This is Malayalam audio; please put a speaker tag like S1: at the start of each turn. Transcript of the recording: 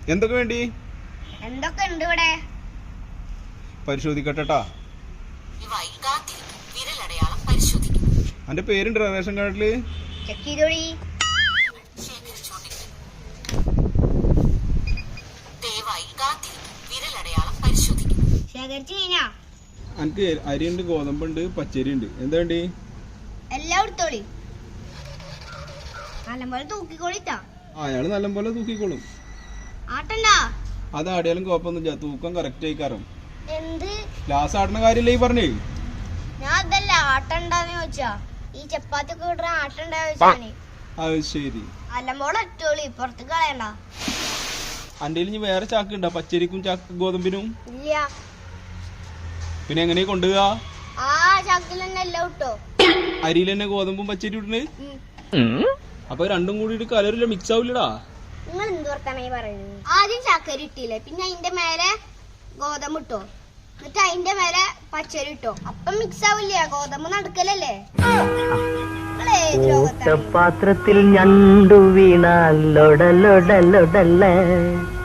S1: എന്തൊക്കെ വേണ്ടി?
S2: എന്തൊക്കെ ഉണ്ട് ഇവിടെ?
S1: പരിശോധിക്കട്ടെട്ടാ. അന്റെ പേരുണ്ട് റേഷൻ കാർഡില്?
S2: ചെക്ക് ചെയ്തോളി. ശേഖരിച്ചു കഴിഞ്ഞാ?
S1: എനിക്ക് അരിയുണ്ട്, ഗോതമ്പുണ്ട്, പച്ചരി ഉണ്ട്. എന്താ വേണ്ടി?
S2: എല്ലാം എടുത്തോളി. നല്ലപോലെ തൂക്കിക്കോളിട്ടാ.
S1: അയാള് നല്ലപോലെ തൂക്കിക്കോളും.
S2: ആട്ടണ്ട.
S1: അത് ആടിയാലും കുഴപ്പമൊന്നുമില്ല, തൂക്കം കറക്റ്റ് ആയിക്കാറും.
S2: എന്ത്
S1: ഗ്ലാസ് ആടുന്ന കാര്യല്ലേ ഈ പറഞ്ഞേ?
S2: ഞാൻ അതല്ല ആട്ടണ്ടെന്ന് ചോദിച്ചാ. ഈ ചപ്പാത്തി ഒക്കെ ഇടുന്ന ആട്ടണ്ടാ ചോദിച്ചാണ്.
S1: അത് ശരി.
S2: നല്ലപോലെ ഇട്ടോളി, പുറത്ത് കളയണ്ട.
S1: അന്റെ ഇനി വേറെ ചാക്ക് ഉണ്ടോ പച്ചരിക്കും ഗോതമ്പിനും?
S2: ഇല്ല.
S1: പിന്നെ എങ്ങനെ കൊണ്ടുപോവാ?
S2: ആ ചാക്കിൽ തന്നെ എല്ലാം ഇട്ടോ.
S1: അരിയിൽ തന്നെ ഗോതമ്പും പച്ചരി ഇട്ടുണ്ട്. അപ്പൊ രണ്ടും കൂടി കലറില്ല, മിക്സ് ആവില്ലടാ.
S2: നിങ്ങൾ എന്ത് വർത്താനായി പറയുന്നത്? ആദ്യം ചക്കരി ഇട്ടില്ലേ, പിന്നെ അതിന്റെ മേലെ ഗോതമ്പ് ഇട്ടോ, എന്നിട്ട് അതിന്റെ മേലെ പച്ചരി ഇട്ടോ. അപ്പം മിക്സ് ആവില്ല, ഗോതമ്പ് നടുക്കലല്ലേ.
S3: പാത്രത്തിൽ ഞണ്ടു വീണാൽ ലൊടലൊടലൊടല്ലേ.